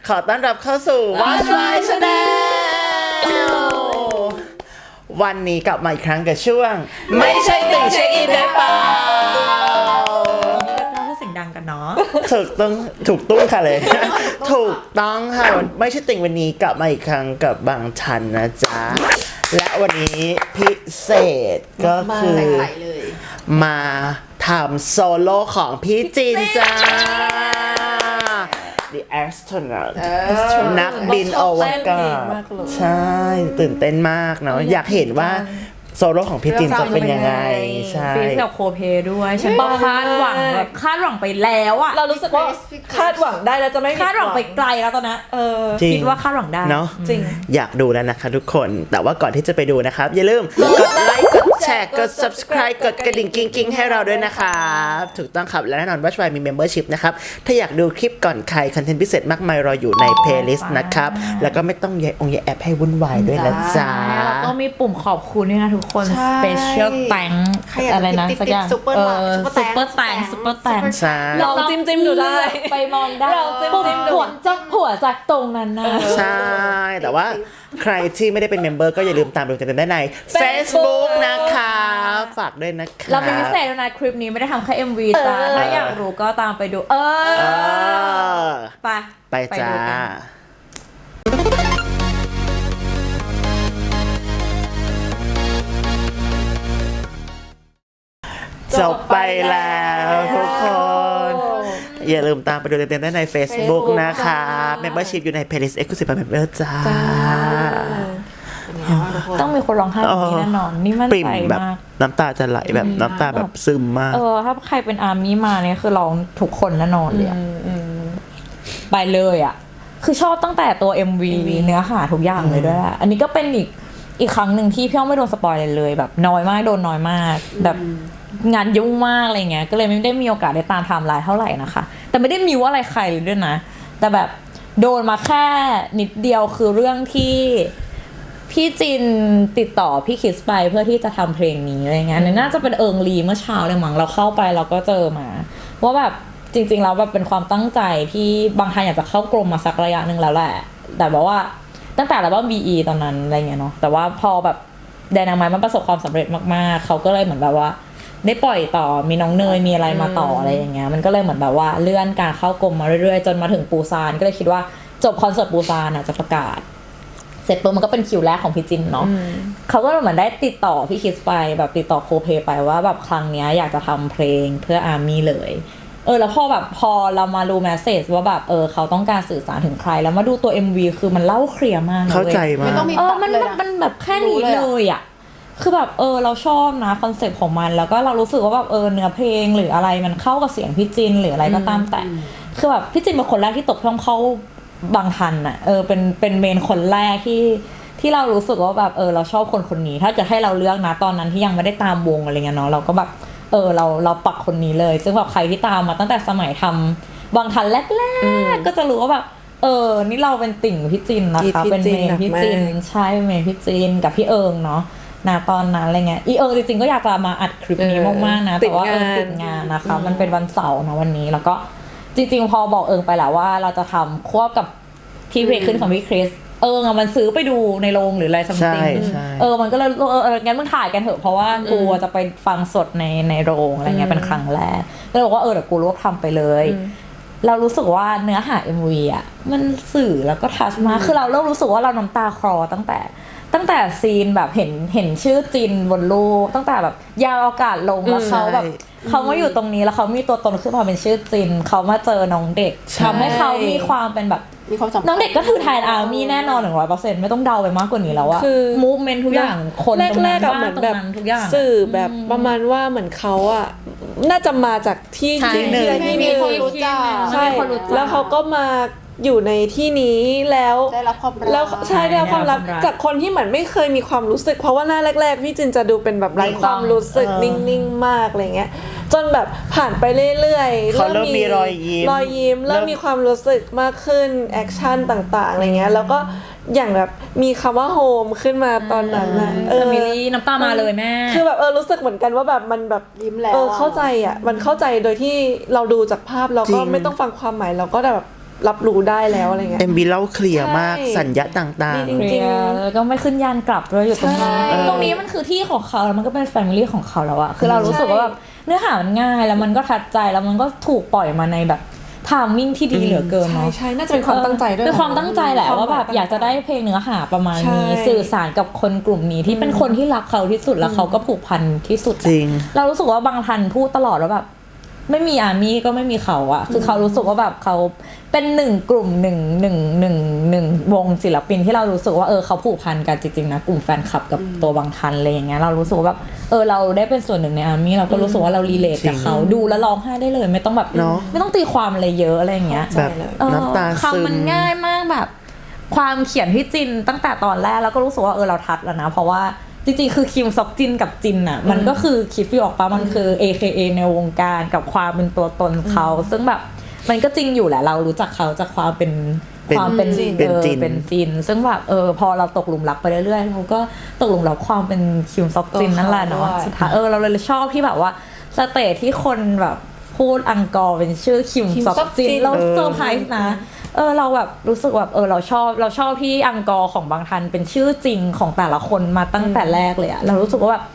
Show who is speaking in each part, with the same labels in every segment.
Speaker 1: ขอต้อนรับเข้าสู่ Watch My Channel วันนี้กลับมาอีกครั้งกับช่วงไม่ใช่ติ่งเช็คอินได้เปล่า
Speaker 2: เราพูดเสียงดังกันเนาะ
Speaker 1: ถูกต้องค่ะเลย ถูกต้องค่ะไม่ใช่ติ่งวันนี้กลับมาอีกครั้งกับบางชันนะจ๊ะและวันนี้พิเศษก็คือมาทำโซโล่ของพี่จินจ้า The Astronaut นักบินอวกาศใช่ตื่นเต้นมากเนาะอยากเห็นว่าโซโล่ของพี่จินจะเป็นยังไงใช่
Speaker 2: ฟีสกับโคเพด้วยฉันก็คาดหวังแบบคาดหวังไปแล้วอะ
Speaker 3: เรารู้สึกว่าคาดหวังได้แล้วจะไม่
Speaker 2: คาดหวังไปไกลแล้วตอนนั้นคิดว่าคาดหวังได้
Speaker 1: เนาะ
Speaker 3: จริง
Speaker 1: อยากดูแล้วนะคะทุกคนแต่ว่าก่อนที่จะไปดูนะครับอย่าลืมกดไลค์กดแชร์กด subscribe กดกระดิ่งกิ้งๆให้เราด้วยนะครับถูกต้องครับและแน่นอนว่าช่วยมี membership นะครับถ้าอยากดูคลิปก่อนใครคอนเทนต์พิเศษมากมายรออยู่ใน playlist นะครับแล้วก็ไม่ต้องแย่แอปให้วุ่นวายด้วยนะจ๊ะ
Speaker 2: แล้วก็มีปุ่มขอบคุณด้วยนะทุกคนspecial thank อะไรนะสักอย่าง
Speaker 3: ซุปเปอร์
Speaker 2: แตง
Speaker 3: ลองจิ้มดูได้
Speaker 2: ไปมองได้ปุ่มหัวจากตรงนั้นนะ
Speaker 1: ใช่แต่ว่าใครที่ไม่ได้เป็นเมมเบอร์ก็อย่าลืมตามดูกันได้ใน Facebook นะคะฝากด้วยนะคะ
Speaker 2: เราเป็นพิเศษนะคลิปนี้ไม่ได้ทำแค่ MV จ้าถ้าอยากรู้ก็ตามไปดู
Speaker 1: ไปจ้าจบไปแล้วทุกคนอย่าลืมตามไปดูเต็มๆได้ใน Facebook นะคะ Membership อยู่ใน Playlist Exclusive Member จ้า
Speaker 2: ต้องมีคนร้องไห้แบบนี้แน่นอนนี่มั่นใจมาก
Speaker 1: น้ำตาจะไหลแบบน้ำตาแบบซึมมาก
Speaker 2: ถ้าใครเป็นอาร์มี่มาเนี่ยคือร้องทุกคนแน่นอนเลยไปเลยอ่ะคือชอบตั้งแต่ตัว MV เนื้อหาทุกอย่างเลยด้วยอันนี้ก็เป็นอีกครั้งหนึ่งที่พี่อ้อมไม่โดนสปอยเลยแบบน้อยมากโดนน้อยมากแบบงานยุ่งมากอะไรเงี้ยก็เลยไม่ได้มีโอกาสได้ตามไทม์ไลน์เท่าไหร่นะคะแต่ไม่ได้มิวอะไรใครเลยด้วยนะแต่แบบโดนมาแค่นิดเดียวคือเรื่องที่พี่จินติดต่อพี่คิสไปเพื่อที่จะทำเพลงนี้อะไรเงี้ยน่าจะเป็นลีเมื่อเช้าเลยมั้งเราเข้าไปเราก็เจอมาว่าแบบจริงๆแล้วแบบเป็นความตั้งใจที่บางท่านอยากจะเข้ากรมมาสักระยะนึงแล้วแหละแต่บอกว่าตั้งแต่แล้วว่า BE ตอนนั้นอะไรเงี้ยเนาะแต่ว่าพอแบบแดนางไม้มันประสบความสำเร็จมากๆเขาก็เลยเหมือนแบบว่าได้ปล่อยต่อมีน้องเนยมีอะไรมาต่ออะไรอย่างเงี้ยมันก็เลยเหมือนแบบว่าเลื่อนการเข้ากรมมาเรื่อยๆจนมาถึงปูซานก็เลยคิดว่าจบคอนเสิร์ตปูซานจะประกาศเสร็จปุ๊บมันก็เป็นคิวแรกของพี่จินเนาะเขาก็เหมือนได้ติดต่อพี่คิสไปแบบติดต่อโคเพไปว่าแบบครั้งนี้อยากจะทำเพลงเพื่ออาร์มี่เลยแล้วพอเรามาดูแมสเสจว่าแบบเขาต้องการสื่อสารถึงใครแล้วมาดูตัว MV คือมันเล่าเคลียร์มาก
Speaker 1: เข้าใจมาก
Speaker 2: มันแบบแค่นี้เลยอ่ะคือแบบเราชอบนะคอนเซ็ปต์ของมันแล้วก็เรารู้สึกว่าแบบเนื้อเพลงหรืออะไรมันเข้ากับเสียงพี่จินหรืออะไรก็ตามแต่คือแบบพี่จินเป็นคนแรกที่ตกช่องเข้าบางทันอ่ะเป็นเมนคนแรกที่เรารู้สึกว่าแบบเราชอบคนนี้ถ้าจะให้เราเลือกนะตอนนั้นที่ยังไม่ได้ตามวงอะไรเงี้ยเนาะเราก็แบบเราปักคนนี้เลยซึ่งแบบใครที่ตามมาตั้งแต่สมัยทำบางทันแรกๆก็จะรู้ว่าแบบนี่เราเป็นติ่งพี่จินนะคะเป็นเมนพี่จินใช่เมนพี่จินกับพี่เอิงเนาะตอนนั้นอะไรเงี้ยจริงๆก็อยากจะมาอัดคลิปนี้มากๆนะแต่ว่าติดงานนะคะมันเป็นวันเสาร์นะวันนี้แล้วก็จริงๆพอบอกไปแล้วว่าเราจะทำควบกับที่เพลงขึ้นของพี่คริสมันซื้อไปดูในโรงหรืออะไรซัมติงมันก็เลยงั้นมึงถ่ายกันเถอะเพราะว่ากูจะไปฟังสดในโรงอะไรเงี้ยเป็นครั้งแรกก็เลยบอกว่าเดี๋ยวกูรวบทำไปเลยเรารู้สึกว่าเนื้อหา MV อ่ะมันสื่อแล้วก็ทัชมากคือเราเริ่มรู้สึกว่าเราน้ำตาคลอตั้งแต่ซีนแบบเห็นชื่อจินบนรูปตั้งแต่แบบยาวอากาศลงแล้วเขาแบบเขามาอยู่ตรงนี้แล้วเขามีตัวตนขึ้นมาเป็นชื่อจินเขามาเจอน้องเด็กทำให้เขามีความเป็นแบบน้องเด็กก็คือไทยอาร์มี่แน่นอน 100% ไม่ต้องเดาไปมากกว่านี้แล้วอะคือมูฟเมนต์ทุกอย่างคนตรงนั้นเหมือนแบบ
Speaker 3: สื่อแบบประมาณว่าเหมือนเขาอะน่าจะมาจากที่
Speaker 2: ที่มีคนรู้จัก
Speaker 3: ใช่แล้วเขาก็มาอยู่ในที่นี้แล้ว
Speaker 4: ได้รับความรัก
Speaker 3: แล้วใช่ได้รับความรักจากคนที่เหมือนไม่เคยมีความรู้สึกเพราะว่าหน้าแรกๆพี่จินจะดูเป็นแบบไร้ความรู้สึกนิ่งๆมากอะไรเงี้ยจนแบบผ่านไปเรื่อยๆ
Speaker 1: เริ่มมีรอยยิ้
Speaker 3: มเริ่มมีความรู้สึกมากขึ้นแอคชั่นต่างๆอะไรเงี้ยแล้วก็อย่างแบบมีคำว่าโฮมขึ้นมาตอนนั้นนะ
Speaker 2: มิลี่น้ำตามาเลยแม่
Speaker 3: คือแบบรู้สึกเหมือนกันว่าแบบมันแบบ
Speaker 4: ยิ้มแล้ว
Speaker 3: เข้าใจอ่ะมันเข้าใจโดยที่เราดูจากภาพเราก็ไม่ต้องฟังความหมายเราก็แบบรับรู้ได้แล้วอะไรเงี้ย
Speaker 1: MV เล่าเคลียร์มาก
Speaker 3: ใช่
Speaker 1: สัญญาต่าง
Speaker 3: จริง
Speaker 2: เคลียร์แล้วก็ไม่ขึ้นยานกลับด้วยอยู่ตรงนี้
Speaker 3: ใช่
Speaker 2: ตรงนี้มันคือที่ของเขาแล้วมันก็เป็นแฟมิลี่ของเขาแล้วอะคือเรารู้สึกว่าแบบเนื้อหามันง่ายแล้วมันก็ทัดใจแล้วมันก็ถูกปล่อยมาในแบบไทามมิ่งที่ดีเหลือเกิน
Speaker 3: ใช่
Speaker 2: เนาะ
Speaker 3: ใช่น่าจะเป็นความตั้งใจด้วย
Speaker 2: เป็นความตั้งใจแหละว่าแบบอยากจะได้เพลงเนื้อหาประมาณนี้
Speaker 3: ใช่
Speaker 2: สื่อสารกับคนกลุ่มนี้ที่เป็นคนที่รักเขาที่สุดแล้วเขาก็ผูกพันที่สุด
Speaker 1: จริง
Speaker 2: เรารู้สึกว่าบางทันพูดตลอดว่าแบบไม่มีอาร์มี่ก็ไม่มีเขาอะคือเขารู้สึกว่าแบบเขาเป็นหนึ่งกลุ่มหนึ่งวงศิลปินที่เรารู้สึกว่าเขาผูกพันกันจริงๆนะกลุ่มแฟนคลับกับตัวบางทันอะไรอย่างเงี้ยเรารู้สึกว่าแบบเราได้เป็นส่วนหนึ่งในอาร์มี่เราก็รู้สึกว่าเรารีเลทกับเขาดูแล้วร้องไห้ได้เลยไม่ต้องแบบ
Speaker 1: เนอะ
Speaker 2: ไม่ต้องตีความอะไรเยอะอะไรอย่างเงี้ย
Speaker 1: แบบ
Speaker 3: เลย
Speaker 1: น้ำตาซึม
Speaker 2: คำมันง่ายมากแบบ ความเขียนที่จินตั้งแต่ตอนแรกแล้วก็รู้สึกว่าเราทัดแล้วนะเพราะว่าจริงๆคือคิมซอกจินกับจินอ่ะมันก็คือคิดฟิวออกปะมันคือ AKA ในวงการกับความเป็นตัวตนเขาซึ่งแบบมันก็จริงอยู่แหละเรารู้จักเขาจากความเป็น
Speaker 1: เป็น
Speaker 2: ความเป็น
Speaker 1: จิน
Speaker 2: เป็นจินซึ่งแบบพอเราตกหลุมรักไปเรื่อยๆเราก็ตกหลุมรักความเป็นคิมซอกจินนั่นแหละเนาะ
Speaker 3: ด้วย
Speaker 2: สุดท้ายเราเลยชอบที่แบบว่าสเตจที่คนแบบพูดอังกอร์เป็นชื่อคิมซอกจินเราเซอร์ไพรส์นะเราแบบรู้สึกแบบเราชอบที่อังกอร์ของบางทันเป็นชื่อจริงของแต่ละคนมาตั้งแต่แรกเลยอะเรารู้สึกว่าแบบ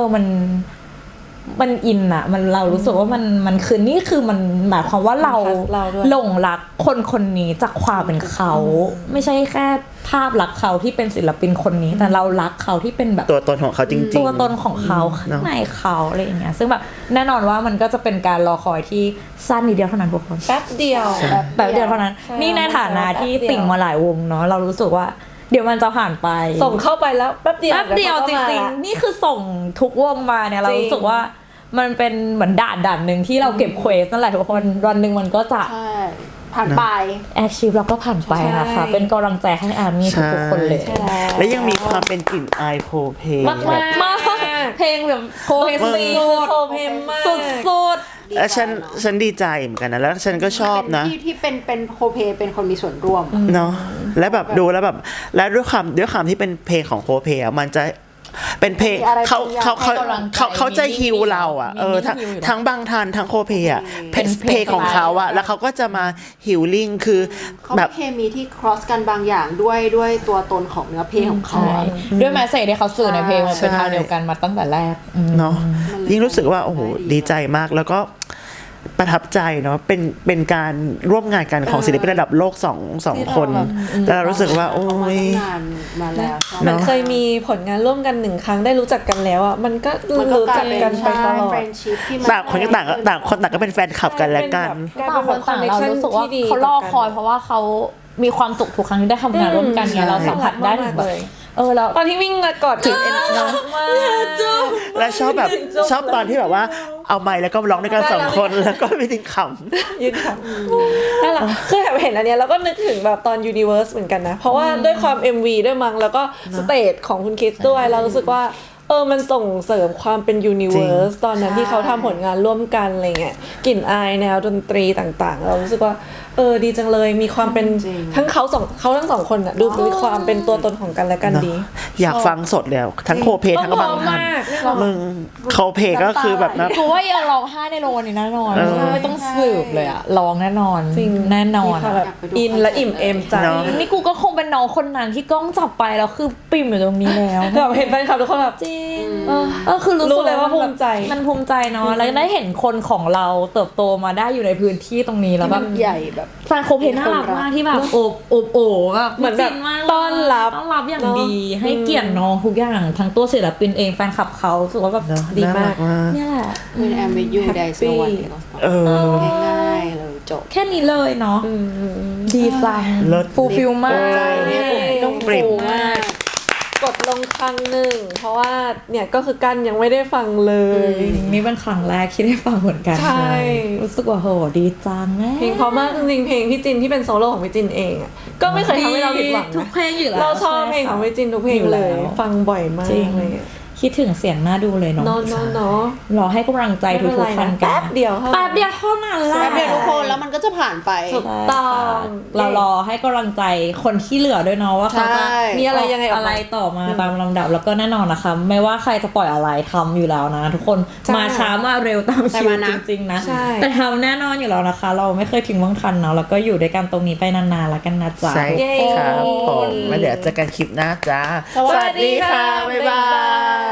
Speaker 2: มันอินอะเรารู้สึกว่ามันคือนี่คือมันหมายความว่าเรา
Speaker 3: เราด้วย
Speaker 2: หลงรักคนนี้จากความเป็นเขาไม่ใช่แค่ภาพลักษณ์เขาที่เป็นศิลปินคนนี้แต่เรารักเขาที่เป็นแบบ
Speaker 1: ตัวตนของเขาจริงๆ
Speaker 2: ตัวตนของเขาข้างในเขาอะไรอย่างเงี้ยซึ่งแบบแน่นอนว่ามันก็จะเป็นการรอคอยที่สั้นนิดเดียวเท่านั้นทุกคน
Speaker 3: แป๊บเดียว
Speaker 2: แบบเดียวเท่านั้น
Speaker 3: ใช่
Speaker 2: นี่ในฐานะที่ติ่งมาหลายวงเนาะเรารู้สึกว่าเดี๋ยวมันจะผ่านไป
Speaker 3: ส่งเข้าไปแล้วแป๊บเดียว
Speaker 2: แป๊บเดียวจริงๆนี่คือส่งทุกวงมาเนี่ยเรารู้สึกว่ามันเป็นเหมือนด่านหนึ่งที่เราเก็บเควสนั่นแหละทุกคนวันหนึ่งมันก็จะ
Speaker 4: ใช่ผ่านไป
Speaker 2: แอคชีพเราก็ผ่านไปนะคะเป็นกำลังใจให้อาร์มี่ทุกๆคนเลย
Speaker 1: และยังมีความเป็นกลิ่นอายโพเพ
Speaker 2: มากมากเพลงแบบโคเฮซี
Speaker 3: โคเพมมาก
Speaker 2: สุด
Speaker 1: และฉันดีใจเหมือนกันนะแล้วฉันก็ชอบนะ
Speaker 4: ที่เป็นโคเพเป็นคนมีส่วนร่วม
Speaker 1: เนาะและแบบดูแล้วแบบและด้วยความที่เป็นเพลงของโคเพอะมันจะเป็นเพลง
Speaker 4: มีอะไร
Speaker 1: เขา
Speaker 4: บางอย่าง
Speaker 1: เขา
Speaker 2: ให้กำลังใจ
Speaker 1: เขาจะฮิวเราอ่ะ
Speaker 2: มี
Speaker 1: ทั้ง
Speaker 2: ฮิวอยู่นะ
Speaker 1: ทั้งบางทันทั้งโคเพอะ
Speaker 2: เป็นเพลง
Speaker 1: เพลงของเขาอ่ะแล้วเขาก็จะมาฮิลลิ่งคือ
Speaker 4: เขา
Speaker 1: แบ
Speaker 4: มี
Speaker 1: บ
Speaker 4: เคมีที่ cross กันบางอย่างด้วยตัวตนของเนื้อเพลงของเขา
Speaker 2: ใช่
Speaker 4: อะ
Speaker 2: ด้วยแมสเซจที่เขาสื่อในเพลงมันเป็น
Speaker 1: ใช่
Speaker 2: ทางเดียวกันมาตั้งแต่แรก
Speaker 1: เนาะยิ่งรู้สึกว่าโอ้โหดีใจมากแล้วก็ประทับใจเนาะเป็นการร่วมงานกันของศิลปินระดับโลกสองคนแล้วเรารู้สึกว่าโอ้ย
Speaker 4: นานมาแล้วใช่
Speaker 3: มันเคยมีผลงานร่วมกันหนึ่งครั้งได้รู้จักกันแล้วอ่ะมันก็
Speaker 4: มันก็
Speaker 3: รู้
Speaker 4: กลา
Speaker 3: จั
Speaker 4: ย
Speaker 3: ก
Speaker 4: เป็น
Speaker 3: กันไปตลอด
Speaker 4: friendship ที่มัน
Speaker 1: ต่างคนก็ต่างคนต่างก็เป็นแฟนคลับกันและกัน
Speaker 3: กลาย
Speaker 2: ต่าง
Speaker 3: เป็
Speaker 2: คนต่างเรารู้สึกว่า
Speaker 3: ที่ดี
Speaker 2: เขารอคอยเพราะว่าเขามีความสุขทุกครั้งที่ได้ทำงานร่วมกันไงเราสัมผัสได้ถึงแบบเรา
Speaker 3: ตอนที่วิ่งมากอดถึงเอ็นมาก
Speaker 1: และชอบตอนที่แบบว่าเอาไมค์แล้วก็ร้องด้วยกันสองคนแล้วก็ไม่ทิ้งข
Speaker 3: ยืนค่ะนั่นแหละคือแบบเห็นอันเนี้ยแล้วก็นึกถึงแบบตอน Universe เหมือนกันนะ เพราะว่าด้วยความ MV ด้วยมั้งแล้วก็สเตจของคุณคิดด้วยเรารู้สึกว่ามันส่งเสริมความเป็น Universe ตอนนั้นที่เขาทำผลงานร่วมกันอะไรเงี้ยกลิ่นอายแนวดนตรีต่างๆ เรารู้สึกว่าดีจังเลยมีความเป็นทั้งเขาทั้งสองคนอ่ะดูมีความเป็นตัวตนของกันและกัน
Speaker 1: ำเนาะ
Speaker 3: ดี
Speaker 1: อยากฟังสดแล้วทั้งโคเพทั้งบางทันมึงโคเพก็คือแบบนะ
Speaker 2: กูว่ายังร้องไห้ในโรงวันนี้แน่นอนไม่ต้องสืบเลยอะร้องแน่นอน
Speaker 3: จริง
Speaker 2: แน่นอน
Speaker 3: มีความแบบอินและอิ่มเอมใจ
Speaker 1: เนาะ
Speaker 2: นี่กูก็คงเป็นน้องคนนั้นที่กล้องจับไปแล้วคือปิ่มอยู่ตรงนี้แล้ว
Speaker 3: แบบเห็นแฟนคลับทุกคนแบบ
Speaker 2: จริงคือรู้
Speaker 3: รู้
Speaker 2: สึก
Speaker 3: เลยว่าภูมิใจ
Speaker 2: มันภูมิใจเนาะแล้วได้เห็นคนของเราเติบโตมาได้อยู่ในพื้นที่ตรงนี้แล้ว
Speaker 4: ที่
Speaker 2: แบ
Speaker 4: มั
Speaker 2: บ
Speaker 4: นใหญ่แบบ
Speaker 2: แฟนโคเพน่ารักมากที่แบบโอบแบบ
Speaker 3: เหมือนแบบ
Speaker 2: จริงมาก
Speaker 3: ต้อนรับ
Speaker 2: ต้อนรับอย่าง
Speaker 3: เนอะ
Speaker 2: ดีให้เกียรติน้องทุกอย่างทั้งตัวศิลปินเองแฟนคลับเขารู้สึกว่าแบบ
Speaker 1: เนอะ
Speaker 3: ดี
Speaker 1: น่
Speaker 3: มาก
Speaker 1: รั
Speaker 2: เนี่ยแหละ
Speaker 4: when I'm with you there is no one else ง่ายๆเลยจบ
Speaker 2: แค่นี้เลยเนาะดีจัง
Speaker 1: เลิศ
Speaker 2: ฟูลฟิลมาก
Speaker 4: ใจเนี่ยต้อง
Speaker 1: ปริ่ม
Speaker 4: ฟูมาก
Speaker 3: กดลงครั้งหนึ่งเพราะว่าเนี่ยก็คือกันยังไม่ได้ฟังเลย
Speaker 2: นี่เป็นครั้งแรกที่ได้ฟังเหมือนกัน
Speaker 3: ใช่
Speaker 2: รู้สึกว่าโหดีจังแม่
Speaker 3: เพลงเพราะมากจริงๆเพลงพี่จินที่เป็นโซโล่ของพี่จินเองอะก็ไม่เคยทำให้เราผิดหวัง
Speaker 2: ทุก
Speaker 3: นะ
Speaker 2: เพลงอยู่แล้ว
Speaker 3: เราชอบเพลงของพี่จินทุกเพลงเลย
Speaker 2: อยู่แล้ว
Speaker 3: ฟังบ่อยมาก
Speaker 2: จริง
Speaker 3: เลยอะ
Speaker 2: คิดถึงเสียงน่าดูเลยเนาะ
Speaker 3: เนาะ
Speaker 2: รอให้กำลังใจทุกๆคนกัน
Speaker 3: แป๊บเดียว
Speaker 2: แป๊บเดียวเท่านั้นแหละ
Speaker 4: แป๊บเดียวทุกคนแล้วมันก็จะผ่านไป
Speaker 3: ถูกต้อง
Speaker 2: เรารอให้กำลังใจคนที่เหลือด้วยเนาะว่าเขาจะ
Speaker 4: ใช่
Speaker 3: มีอะไรยังไงออกมา
Speaker 2: อะไรต่อมาตามลำดับแล้วก็แน่นอนนะคะไม่ว่าใครจะปล่อยอะไรทำอยู่แล้วนะ ทุกคน
Speaker 3: ใช่
Speaker 2: มาช้ามาเร็วตาม
Speaker 4: แต่
Speaker 2: คิว
Speaker 4: มานะ
Speaker 2: จริงๆนะ
Speaker 3: ใช่
Speaker 2: แต่ทำแน่นอนอยู่แล้วนะคะ เราไม่เคยทิ้งว่างทันเนาะแล้วก็อยู่ด้วยกันตรงนี้ไปนานๆแล้วกันนะจ๊ะ
Speaker 1: ใช่ครับผมมาเดี๋ยวเจอกันคลิปหน้าจ้า
Speaker 4: สวัสดีค่ะ
Speaker 1: บ๊ายบาย